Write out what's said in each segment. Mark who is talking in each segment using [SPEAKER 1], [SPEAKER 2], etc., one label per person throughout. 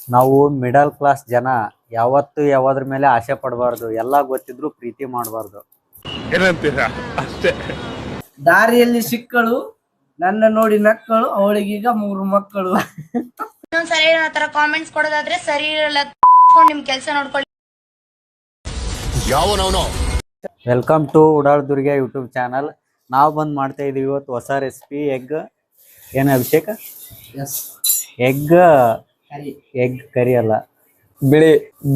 [SPEAKER 1] ನಾವು middle class ಜನ ಯಾವತ್ತು ಯಾವದ್ರ ಮೇಲೆ ಆಸೆ ಪಡಬಾರ್ದು, ಎಲ್ಲ ಗೊತ್ತಿದ್ರು ಪ್ರೀತಿ ಮಾಡಬಾರ್ದು.
[SPEAKER 2] ಏನಂತೀರಾ? ಅಷ್ಟೇ.
[SPEAKER 3] ದಾರಿಯಲ್ಲಿ ಸಿಕ್ಕಳು, ನನ್ನ ನೋಡಿ ನಕ್ಕಳು, ಅವಳಿಗೀಗ 3 ಮಕ್ಕಳು.
[SPEAKER 4] ಇನ್ನೊಂದ್ಸರಿ ಆತರ ಕಾಮೆಂಟ್ಸ್ ಕೊಡೋದಾದ್ರೆ ಸರಿ ಇರಲ್ಲ, ನಿಮ್ ಕೆಲಸ ನೋಡ್ಕೊಳ್ಳಿ.
[SPEAKER 1] Welcome to Udal Durge YouTube channel. ನಾವು ಬಂದು ಮಾಡ್ತಾ ಇದೀವಿ ಇವತ್ತು ಹೊಸ ರೆಸಿಪಿ. ಎಗ್ ಏನು ಅಭಿಷೇಕ? ಎಗ್ ಕರಿ ಅಲ್ಲ, ಬಿಳಿ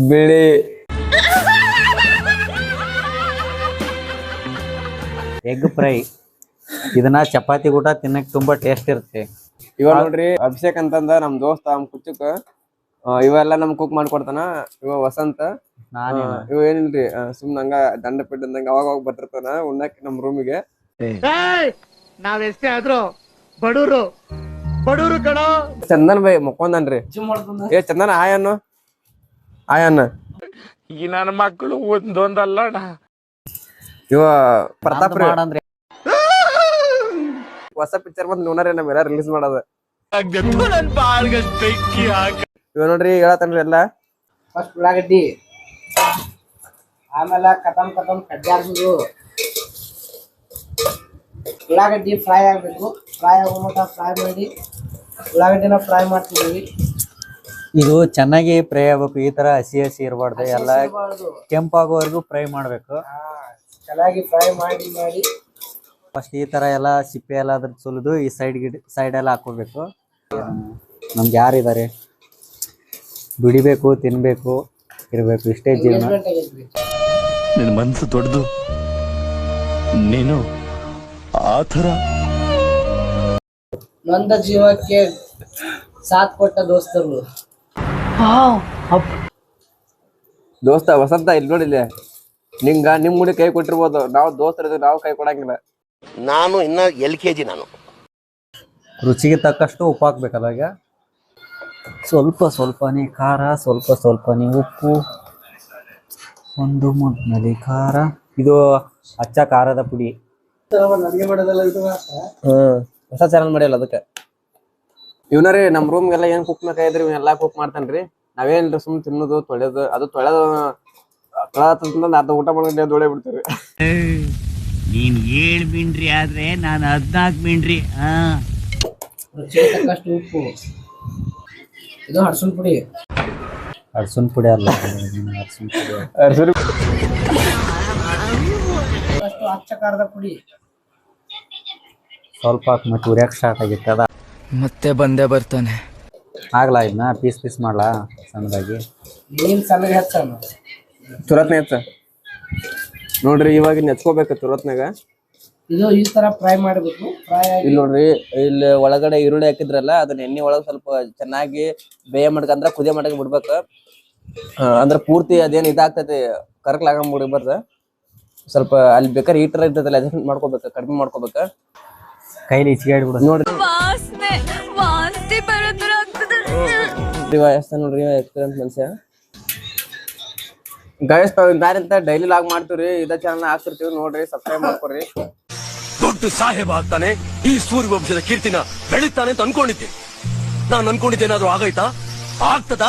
[SPEAKER 1] ಎಗ್ ಫ್ರೈ. ಇದನ್ನ ಚಪಾತಿ ಊಟ ತಿನ್ನಕ್ ತುಂಬಾ ಟೇಸ್ಟ್ ಇರುತ್ತೆ.
[SPEAKER 5] ಇವಾಗ ನೋಡ್ರಿ ಅಭಿಷೇಕ್ ಅಂತಂದ ನಮ್ ದೋಸ್ತ ಕುಚ್ಚುಕ್ ಇವೆಲ್ಲ ನಮ್ ಕುಕ್ ಮಾಡ್ಕೊಡ್ತಾನ. ಇವ ವಸಂತ ಇವ ಏನಿಲ್ರಿ ಸುಮ್ನ ಹಂಗ ದಂಡ ಪಿಡ್ದಂಗ ಅವಾಗ ಬರ್ತಿರ್ತಾನ ಉಣ್ಣಕ್ ನಮ್ ರೂಮಿಗೆ.
[SPEAKER 2] ನಾವ್ ಎಷ್ಟೇ ಆದ್ರೂ ಬಡೂರು ಕಣೋ.
[SPEAKER 5] ಚಂದನ್ ಬೈ ಮಕ್ಕೊಂದನ್ರಿ. ಏ ಚಂದನ್ ಆಯನ್ನ
[SPEAKER 2] ಈ ನನ್ನ ಮಕ್ಕಳು ಒಂದೊಂದಲ್ಲ.
[SPEAKER 5] ಇವ ಪ್ರತಾಪ್
[SPEAKER 1] ಅಂದ್ರೆ
[SPEAKER 5] ಹೊಸ ಪಿಕ್ಚರ್ ಬಂದ್ ನೋಡ್ರಿ ನಮ್ಮೆಲ್ಲ ರಿಲೀಸ್ ಮಾಡೋದ. ಇವ ನೋಡ್ರಿ ಹೇಳತ್ತನ್ರಿ ಎಲ್ಲ.
[SPEAKER 3] ಫಸ್ಟ್ ಉಳ್ಳಾಗಡ್ಡಿ, ಆಮೇಲೆ ಕಟಮ್ ಕಡ್ಡಾಡ್ದು ಉಳ್ಳಾಗಡ್ಡಿ ಫ್ರೈ ಆಗ್ಬೇಕು. ಫ್ರೈ ಆಗೋ ಮಟ್ಟ ಫ್ರೈ ಮಾಡಿ ಉಳ್ಳಾಗಡ್ಡಿನ ಫ್ರೈ ಮಾಡ್ತಿದ್ದೀವಿ.
[SPEAKER 1] ಇದು ಚೆನ್ನಾಗಿ ಫ್ರೈ ಆಗ್ಬೇಕು, ಈ ತರ ಹಸಿ ಇರಬಾರ್ದು, ಎಲ್ಲ ಕೆಂಪಾಗೋವರೆಗೂ ಫ್ರೈ ಮಾಡ್ಬೇಕು.
[SPEAKER 3] ಚೆನ್ನಾಗಿ ಫ್ರೈ ಮಾಡಿ
[SPEAKER 1] ಫಸ್ಟ್ ಈ ತರ ಎಲ್ಲ ಸಿಪ್ಪೆ ಎಲ್ಲ ಅದ್ರ ಸುಲಿದು ಈ ಸೈಡ್ ಎಲ್ಲ ಹಾಕೋಬೇಕು. ನಮ್ಗೆ ಯಾರಿದ್ದಾರೆ, ದುಡಿಬೇಕು, ತಿನ್ಬೇಕು, ಇರ್ಬೇಕು, ಇಷ್ಟೇ ಜೀವನ.
[SPEAKER 6] ನಿನ್ನ ಮನಸ್ಸು ದೊಡ್ಡದು, ನೀನು ಆ ಥರ
[SPEAKER 3] ನೊಂದ ಜೀವಕ್ಕೆ ಸಾಥ್ ಕೊಟ್ಟ ದೋಸ್ತರು.
[SPEAKER 5] ದೋಸ್ತ ವಸಂತ ಇಲ್ಲಿ ನೋಡಿಲ್ಲ, ನಿಮ್ ಗುಡಿ ಕೈ ಕೊಟ್ಟಿರ್ಬೋದು, ನಾವು ದೋಸ್ತರ ನಾವು ಕೈ ಕೊಡಂಗಿಲ್ಲ.
[SPEAKER 6] ನಾನು ಇನ್ನ LKG. ನಾನು
[SPEAKER 1] ರುಚಿಗೆ ತಕ್ಕಷ್ಟು ಉಪ್ಪು ಹಾಕ್ಬೇಕಲ್ಲ. ಈಗ ಸ್ವಲ್ಪನೇ ಖಾರ, ಸ್ವಲ್ಪನೇ ಉಪ್ಪು, ಒಂದು ಮುದ್ದಲ್ಲಿ ಖಾರ. ಇದು ಅಚ್ಚ ಖಾರದ ಪುಡಿ.
[SPEAKER 3] ಅಡಿಗೆ ಮಾಡೋದಲ್ಲ ಇದು.
[SPEAKER 5] ಹೊಸ ಚಾನಲ್ ಮಾಡಿಲ್ಲ ಅದಕ್ಕೆ. ಇವನರಿ ನಮ್ ರೂಮ್ಗೆಲ್ಲ ಏನ್ ಕುಕ್ ಬೇಕಾಗಿದ್ರಿ ಇವನ್ನೆಲ್ಲಾ ಕುಕ್ ಮಾಡ್ತಾನ್ರಿ. ನಾವೇನ್ರಿ ಸುಮ್ ತಿನ್ನೋದು ತೊಳೆಯೋದು, ಅದು ತೊಳೆದ ಅರ್ಧ ಊಟ ಮಾಡಿ ದೊಳೆ ಬಿಡ್ತೀವಿ.
[SPEAKER 7] ನೀನ್ 7 ಮಿಂಡ್ರಿ ಆದ್ರೆ ನಾನು 14 ಮಿಂಡ್ರಿ.
[SPEAKER 3] ರುಚಿಗೆ ತಕ್ಕಷ್ಟು ಉಪ್ಪು. ಇದು ಅರಸಿನ ಪುಡಿ
[SPEAKER 1] ಅಲ್ಲ,
[SPEAKER 3] ಅಷ್ಟು ಅಚ್ಚ ಖಾರದ ಪುಡಿ
[SPEAKER 1] ಸ್ವಲ್ಪ ಹಾಕಿ ಮತ್ತೆ ಉರಿಯಕ್ಕೆ ಸ್ಟಾರ್ಟ್ ಆಗಿತ್ತು. ಅದ
[SPEAKER 7] ಮತ್ತೆ ಬಂದೇ ಬರ್ತಾನೆ.
[SPEAKER 1] ಆಗ್ಲಾ ಇದನ್ನ ಪೀಸ್ ಮಾಡ್ಲಾ ಸಣ್ಣದಾಗಿ.
[SPEAKER 3] ನೀನ್ ಸಣ್ಣಗೆ ಹೆಚ್ಚ
[SPEAKER 5] ತುರತ್ನ ಹೆಚ್ಚ ನೋಡ್ರಿ. ಇವಾಗ ನೆಚ್ಕೋಬೇಕು ತುರತ್ನಾಗ.
[SPEAKER 3] ಇದು ಈ ತರ ಫ್ರೈ ಮಾಡಬೇಕು. ಫ್ರೈ
[SPEAKER 5] ಇಲ್ಲಿ ನೋಡ್ರಿ, ಇಲ್ಲಿ ಒಳಗಡೆ ಈರುಳ್ಳಿ ಹಾಕಿದ್ರಲ್ಲ ಅದನ್ನ ಎಣ್ಣೆ ಒಳಗೆ ಸ್ವಲ್ಪ ಚೆನ್ನಾಗಿ ಬೇಯ ಮಾಡ್ಕಂದ್ರ ಕುದಿಯ ಮಾಡಕ್ ಬಿಡ್ಬೇಕು. ಅಂದ್ರ ಪೂರ್ತಿ ಅದೇನ್ ಇದಾಗ್ತೈತಿ, ಕರ್ಕಲಾಗ ಬಿಡ್ಬಾರ್ದ. ಸ್ವಲ್ಪ ಅಲ್ಲಿ ಬೇಕಾದ್ರೆ ಹೀಟರ್ ಇರ್ತೈತಲ್ಲ ಅಡ್ಜಸ್ಟ್ ಮಾಡ್ಕೋಬೇಕು, ಕಡಿಮೆ ಮಾಡ್ಕೋಬೇಕ.
[SPEAKER 1] ಕೈಲಿ ಇಚ್ಚಿಗಾಡಿ ಬಿಡು
[SPEAKER 5] ನೋಡ್ರಿ. ನೋಡ್ರಿ ಎಕ್ಸ್ಪೀರಿಯನ್ಸ್ ಮನುಷ್ಯ. ಗೈಸ್ ನಾರಿಂತ ಡೈಲಿ ಲಾಗ್ ಮಾಡ್ತೀವ್ರಿ, ಇದ ಚಾನಲ್ ಹಾಕ್ತಿರ್ತೀವಿ ನೋಡ್ರಿ, ಸಬ್ಸ್ಕ್ರೈಬ್ ಮಾಡ್ಕೊರಿ.
[SPEAKER 6] ದೊಡ್ಡ ಸಾಹೇಬ ಆಗ್ತಾನೆ, ಈ ಸೂರ್ಯವಂಶದ ಕೀರ್ತಿನ ಬೆಳಿತಾನೆ ಅಂತ ಅನ್ಕೊಂಡಿದ್ದೆ. ನಾನು ಅನ್ಕೊಂಡಿದ್ದೇನಾದ್ರೂ ಆಗೈತಾ? ಆಗ್ತದ?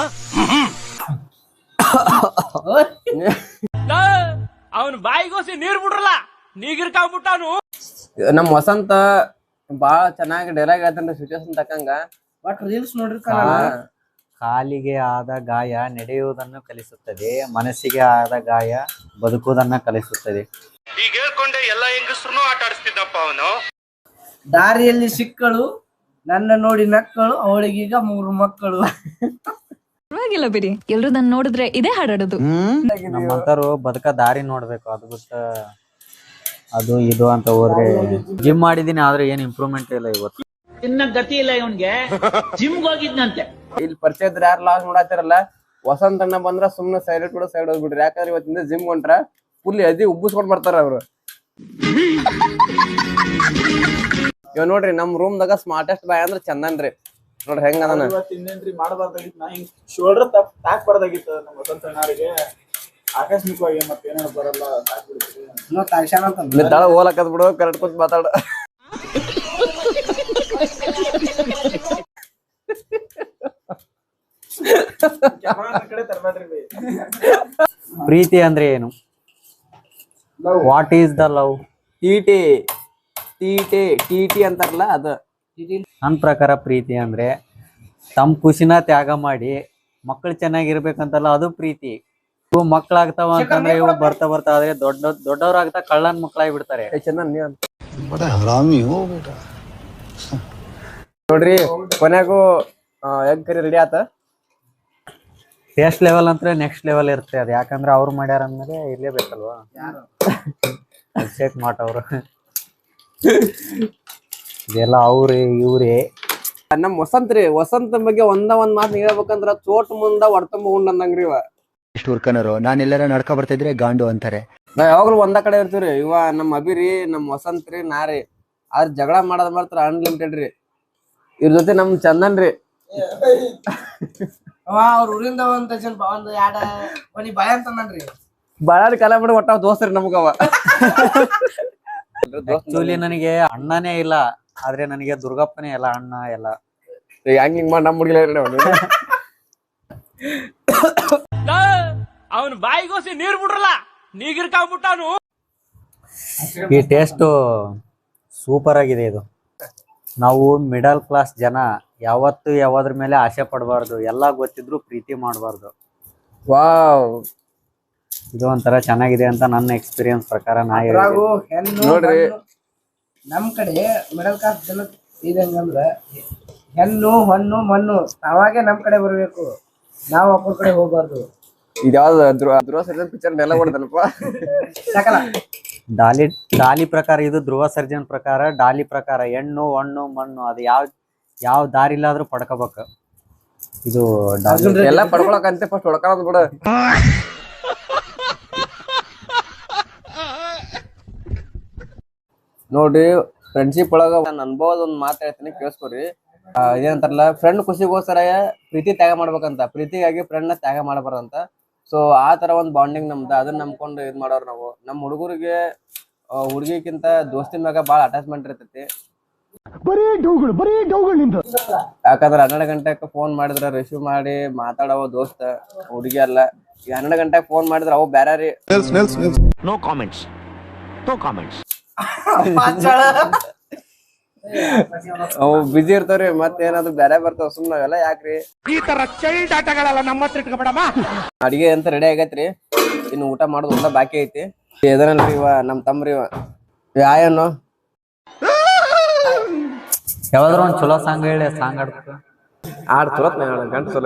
[SPEAKER 2] ಅವನ್ ಬಾಯಿಗೋಸಿ ನೀರ್ ಬಿಡ್ರಲ್ಲ, ನೀಗಿರ್ಕಾಗ್ಬಿಟ್ಟಾನು.
[SPEAKER 5] ನಮ್ ವಸಂತ ಬಾಳ ಚೆನ್ನಾಗಿ ಡೈಲಾಗ್ ಹೇಳ್ತಾನ್ರಿ ಸಿಚುವೇಶನ್ ತಕ್ಕಂಗ.
[SPEAKER 3] ಬಟ್ ರೀಲ್ಸ್ ನೋಡ್ರಿ.
[SPEAKER 1] ಕಾಲಿಗೆ ಆದ ಗಾಯ ನಡೆಯುವುದನ್ನು ಕಲಿಸುತ್ತದೆ, ಮನಸ್ಸಿಗೆ ಆದ ಗಾಯ ಬದುಕುವುದನ್ನ ಕಲಿಸುತ್ತದೆ.
[SPEAKER 2] ಈಗ ಹೇಳ್ಕೊಂಡೆ ಎಲ್ಲಾ ಹೆಂಗಸ್ರು ಆಟ ಆಡಿಸ್ತಿದ್ದಪ್ಪ ಅವನು.
[SPEAKER 3] ದಾರಿಯಲ್ಲಿ ಸಿಕ್ಕಳು, ನನ್ನ ನೋಡಿ ನಕ್ಕಳು, ಅವಳಿಗೀಗ 3 ಮಕ್ಕಳು.
[SPEAKER 8] ಪರವಾಗಿಲ್ಲ ಬಿಡಿ, ಎಲ್ರು ನನ್ನ ನೋಡಿದ್ರೆ ಇದೇ ಹಾಡಾಡೋದು.
[SPEAKER 1] ನಮ್ಮಂತರು ಬದುಕ ದಾರಿ ನೋಡ್ಬೇಕು, ಅದು ಬಿಟ್ಟು ಅದು ಇದು ಅಂತ ಹೋದ್ರೆ. ಜಿಮ್ ಮಾಡಿದೀನಿ ಆದ್ರೆ ಏನ್ ಇಂಪ್ರೂವ್ಮೆಂಟ್ ಇಲ್ಲ. ಇವತ್ತು
[SPEAKER 7] ಇನ್ನ ಗತಿ ಇಲ್ಲ ಇವನ್ಗೆ, ಜಿಮ್ಗೆ ಹೋಗಿದ್ನಂತೆ.
[SPEAKER 5] ಇಲ್ಲಿ ಪರಿಚಯ ಇದ್ರೆ ಯಾರು ಲಾಗ್ ನೋಡಾತಿರಲ್ಲ, ವಸಂತ ಅಣ್ಣ ಬಂದ್ರ ಸುಮ್ನೆ ಸೈಲೆಂಟ್ ಕೂಡ ಸೈಡ್ ಹೋಗ್ಬಿಡ್ರಿ. ಯಾಕಂದ್ರೆ ಇವತ್ತಿಂದ ಜಿಮ್ ಹೊಂಟ್ರ ಫುಲ್ ಎದಿ ಉಬ್ಬಿಸ್ಕೊಂಡ್ ಬರ್ತಾರ ಅವ್ರು. ಇವ್ ನೋಡ್ರಿ ನಮ್ ರೂಮ್ ದಾಗ ಸ್ಮಾರ್ಟೆಸ್ಟ್ ಬಾಯ್ ಅಂದ್ರ ಚಂದನ್ರಿ. ನೋಡ್ರಿ ಹೆಂಗ ಅದಾನ.
[SPEAKER 9] ಮಾಡಬಾರ್ದಾಗಿತ್ತು, ನಾ ಹಿಂಗ್ ಶೋಲ್ಡರ್ ತಾಕ್ಬಾರ್ದಾಗಿತ್ತು ನಮ್ಮ ವಸಂತ ಅಣ್ಣರಿಗೆ. ಆಕಸ್ಮಿಕವಾಗಿ ಮತ್ತೆ ಏನಾರ ಬರಲ್ಲ ತಾಕ್ಬಿಡ್ತೀವಿ.
[SPEAKER 5] ತಳ ಹೋಲಕತ್ ಬಿಡು, ಕರೆಕ್ಟ್ ಕೂತ್ ಮಾತಾಡ.
[SPEAKER 9] ಕ್ಯಾಮ್ರಾ ಕಡೆ ತರಬೇಡ್ರಿ ಬೈ.
[SPEAKER 1] ಪ್ರೀತಿ ಅಂದ್ರೆ ಏನು? What is the love?
[SPEAKER 5] T T ಅಂತಾರಲ್ಲ ಅದ.
[SPEAKER 1] ನನ್ನ ಪ್ರಕಾರ ಪ್ರೀತಿ ಅಂದ್ರೆ ತಮ್ಮ ಖುಷಿನ ತ್ಯಾಗ ಮಾಡಿ ಮಕ್ಕಳು ಚೆನ್ನಾಗಿರ್ಬೇಕಂತಲ್ಲ, ಅದು ಪ್ರೀತಿ. ಇವು ಮಕ್ಕಳಾಗ್ತಾವ ಅಂತಂದ್ರೆ ಇವು ಬರ್ತಾ ಆದ್ರೆ ದೊಡ್ಡವ್ರಾಗ್ತಾ ಕಳ್ಳನ್ ಮಕ್ಕಳಾಗಿ ಬಿಡ್ತಾರೆ.
[SPEAKER 5] ಚಂದನ್ ನೀವ್ ನೋಡ್ರಿ ಕೊನೆಗೂ ಎಗ್ ಕರಿ ರೆಡಿ ಆತ.
[SPEAKER 1] ಟೇಸ್ಟ್ ಲೆವೆಲ್ ಅಂದ್ರೆ ನೆಕ್ಸ್ಟ್ ಲೆವೆಲ್ ಇರುತ್ತೆ ಅದು, ಯಾಕಂದ್ರೆ ಅವ್ರು ಮಾಡ್ಯಾರ ಅಂದ್ಮೇಲೆ ಇರ್ಲೇಬೇಕಲ್ವಾ. ಅಭಿಷೇಕ್ ಮಾಟ್ ಅವರು ಇದೆಲ್ಲ ಅವ್ರಿ ಇವ್ರಿ.
[SPEAKER 5] ನಮ್ ವಸಂತ ಬಗ್ಗೆ ಒಂದ್ ಮಾತು ಹೇಳ್ಬೇಕಂದ್ರ ಚೋಟ್ ಮುಂದ ಹೊಡ್ತಂಬ ಉಂಡ್ ಅಂದಂಗ್ರಿ ಇವ.
[SPEAKER 10] ಇಷ್ಟು ಹುರ್ಕನರು ನಾನೆಲ್ಲರ ನಡ್ಕೊ ಬರ್ತಿದ್ರೆ ಗಾಂಡು ಅಂತಾರೆ.
[SPEAKER 5] ನಾವ್ ಯಾವಾಗ್ಲೂ ಒಂದ ಕಡೆ ಇರ್ತೀವ್ರಿ. ಇವ ನಮ್ ಅಭಿರಿ ನಮ್ ವಸಂತ್ ರೀ ನಾರಿ. ಆದ್ರ ಜಗಳ ಮಾಡೋದ್ ಮಾತ್ರ ಅನ್ಲಿಮಿಟೆಡ್ ರೀ. ಇವ್ರ ಜೊತೆ ನಮ್ ಚಂದನ್ ರೀ.
[SPEAKER 3] ಅವ್ರ ಊರಿಂದ ಒಂದ್ ಎರಡ ಒಂದ್ ಬಾಯ್ ಅಂತಂದ್ರಿ.
[SPEAKER 5] ಬಾಳಾರಿ ಕಾಲ ಬಿಡ ಒಟ್ಟ ದೋಸ್ತ್ರಿ ನಮ್ಗವ.
[SPEAKER 1] ಆಕ್ಚುಲಿ ನನಗೆ ಅಣ್ಣನೇ ಇಲ್ಲ, ಆದ್ರೆ ನನಗೆ ದುರ್ಗಪ್ಪನೇ ಎಲ್ಲ ಅಣ್ಣ ಎಲ್ಲ.
[SPEAKER 5] ಹಿಂಗ್ ಮಾಡಿ ನಮ್ ಹುಡುಗಿಲ್ಲ
[SPEAKER 2] ಅವನ್ ಬಾಯಿಗೋಸಿ ನೀರ್ ಬಿಡ್ರಲ್ಲ ನೀಗಿರ್ಕಾಗ್ಬಿಟ್ಟಾನು.
[SPEAKER 1] ಈ ಟೇಸ್ಟ್ ಸೂಪರ್ ಆಗಿದೆ. ಇದು ನಾವು ಮಿಡಲ್ ಕ್ಲಾಸ್ ಜನ ಯಾವತ್ತು ಯಾವ್ದ್ರ ಮೇಲೆ ಆಸೆ ಪಡಬಾರ್ದು, ಎಲ್ಲ ಗೊತ್ತಿದ್ರು ಪ್ರೀತಿ ಮಾಡಬಾರ್ದು.
[SPEAKER 5] ವಾವ್,
[SPEAKER 1] ಇದು ಒಂಥರ ಚೆನ್ನಾಗಿದೆ ಅಂತ ನನ್ನ ಎಕ್ಸ್ಪೀರಿಯನ್ಸ್ ಪ್ರಕಾರ ನಾ
[SPEAKER 3] ಅದ್ರಾಗೂ
[SPEAKER 1] ಹೇಳ್ತೀನಿ.
[SPEAKER 3] ಹೆಣ್ಣು
[SPEAKER 5] ನೋಡ್ರಿ.
[SPEAKER 3] ನಮ್ ಕಡೆ ಮಿಡಲ್ ಕ್ಲಾಸ್ ಜನ ಇದಂಗಂದ್ರ ಹೆಣ್ಣು ಹೊಣ್ಣು ಮಣ್ಣು ಅವಾಗೆ ನಮ್ ಕಡೆ ಬರ್ಬೇಕು, ನಾವ್ ಒಬ್ಬರ ಕಡೆ ಹೋಗ್ಬಾರ್ದು.
[SPEAKER 5] ಇದ್ಯಾವ್ದು ಧ್ರುವ ಸರ್ಜನ್ ಪಿಕ್ಚರ್ ನೆಲ ಹೊಡೆದನಪ್ಪ.
[SPEAKER 3] ಸಾಕಲ್ಲ
[SPEAKER 1] ಡಾಲಿ ಪ್ರಕಾರ, ಇದು ಧ್ರುವ ಸರ್ಜನ್ ಪ್ರಕಾರ ಡಾಲಿ ಪ್ರಕಾರ ಹೆಣ್ಣು ಹೊಣ್ಣು ಮಣ್ಣು ಅದು ಯಾವ ದಾರಿ ಇಲ್ಲಾದ್ರೂ ಪಡ್ಕೋಬೇಕು. ಇದು
[SPEAKER 5] ಎಲ್ಲ ಪಡ್ಕೊಳಕಂತೆ ಫಸ್ಟ್ ಹೊಡ್ಕೊಳ್ಳೋದು ಬಿಡ. ನೋಡ್ರಿ ಫ್ರೆಂಡ್ಶಿಪ್ ಒಳಗ ನನ್ನ ಅನುಭವದ ಒಂದ್ ಮಾತು ಹೇಳ್ತೀನಿ, ಕೇಳಿಸ್ಕೊರಿ. ಇದೇನಂತಾರಲ್ಲ, ಫ್ರೆಂಡ್ ಖುಷಿಗೋಸ್ಕರ ಪ್ರೀತಿ ತ್ಯಾಗ ಮಾಡ್ಬೇಕಂತ, ಪ್ರೀತಿಗಾಗಿ ಫ್ರೆಂಡ್ ನ ತ್ಯಾಗ ಮಾಡಬಾರ್ದಂತ. ಸೊ ಆ ತರ ಒಂದ್ ಬಾಂಡಿಂಗ್ ನಮ್ದು, ಅದನ್ನ ನಂಬ್ಕೊಂಡು ಇದ್ ಮಾಡೋರು ನಾವು. ನಮ್ ಹುಡುಗರಿಗೆ ಹುಡುಗಿಕ್ಕಿಂತ ದೋಸ್ತಿ ಮ್ಯಾಗ ಬಾಳ ಅಟ್ಯಾಚ್ಮೆಂಟ್ ಇರ್ತೈತಿ. ಯಾಕಂದ್ರ 12 ಗಂಟೆಗೆ ಫೋನ್ ಮಾಡಿದ್ರ ರಿಸೀವ್ ಮಾಡಿ ಮಾತಾಡವ ದೋಸ್ತ ಹುಡುಗಿ ಅಲ್ಲ. ಈ 12 ಗಂಟೆಗೆ ಫೋನ್ ಮಾಡಿದ್ರ ಅವು ಬ್ಯಾರ ರೀ.
[SPEAKER 7] No comments.
[SPEAKER 5] ಅವು ಬಿಜಿ ಇರ್ತಾವ್ರಿ, ಮತ್ತೇನಾದ್ರು ಬ್ಯಾರೆ ಬರ್ತಾವ. ಸುಮ್ ನಾವೆಲ್ಲ ಯಾಕ್ರಿ
[SPEAKER 2] ಈ ತರ ಚೈಲ್ಡ್ ಆಟಗಳೆಲ್ಲ ನಮ್ಮ ಹತ್ರ ಇಟ್ಕೊಬೇಡಮ್ಮ.
[SPEAKER 5] ಅಡಿಗೆ ಅಂತ ರೆಡಿ ಆಗೈತ್ರಿ, ಇನ್ನು ಊಟ ಮಾಡೋದು ಊಟ ಬಾಕಿ ಐತಿ. ಎದನಲ್ರಿ ಇವ ನಮ್ ತಮ್ರಿ ಇವ ಯಾಯನು
[SPEAKER 1] ಯಾವ್ದಾದ್ರು ಒಂದ್ ಚಲೋ ಸಾಂಗ್ ಹೇಳಿ, ಸಾಂಗ್ ಆಡ್ಬೇಕು.
[SPEAKER 5] ಆಡ್ ಚಲೋತ್ ಗಂಟು ಚಲೋ.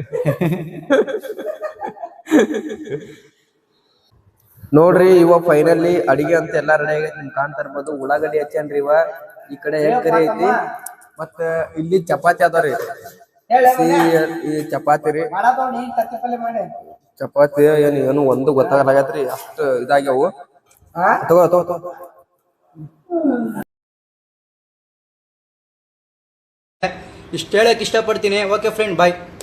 [SPEAKER 5] ನೋಡ್ರಿ ಇವ ಫೈನಲಿ ಅಡಿಗೆ ಅಂತ ಎಲ್ಲಾ ರೆಡಿ ಆಗೈತಿ. ನಿಮ್ ಕಾಣ್ತಾ ಇರ್ಬೋದು ಉಳ್ಳಾಗಡ್ಡಿ ಹಚ್ಚನ್ರಿ ಇವ. ಈ ಕಡೆ ಎಗ್ ಕರಿ ಐತಿ, ಮತ್ತ ಇಲ್ಲಿ ಚಪಾತಿ ಅದಾವ್ರಿ. ಈ ಚಪಾತಿ ರೀ, ಚಪಾತಿ ಏನು ಒಂದು ಗೊತ್ತಾಗಲಾಗತ್ರಿ, ಅಷ್ಟು ಇದಾಗ್ಯಾವು. ತಗೋ
[SPEAKER 10] ಇಷ್ಟು ಹೇಳಕ್ ಇಷ್ಟಪಡ್ತೀನಿ. ಓಕೆ ಫ್ರೆಂಡ್, ಬಾಯ್.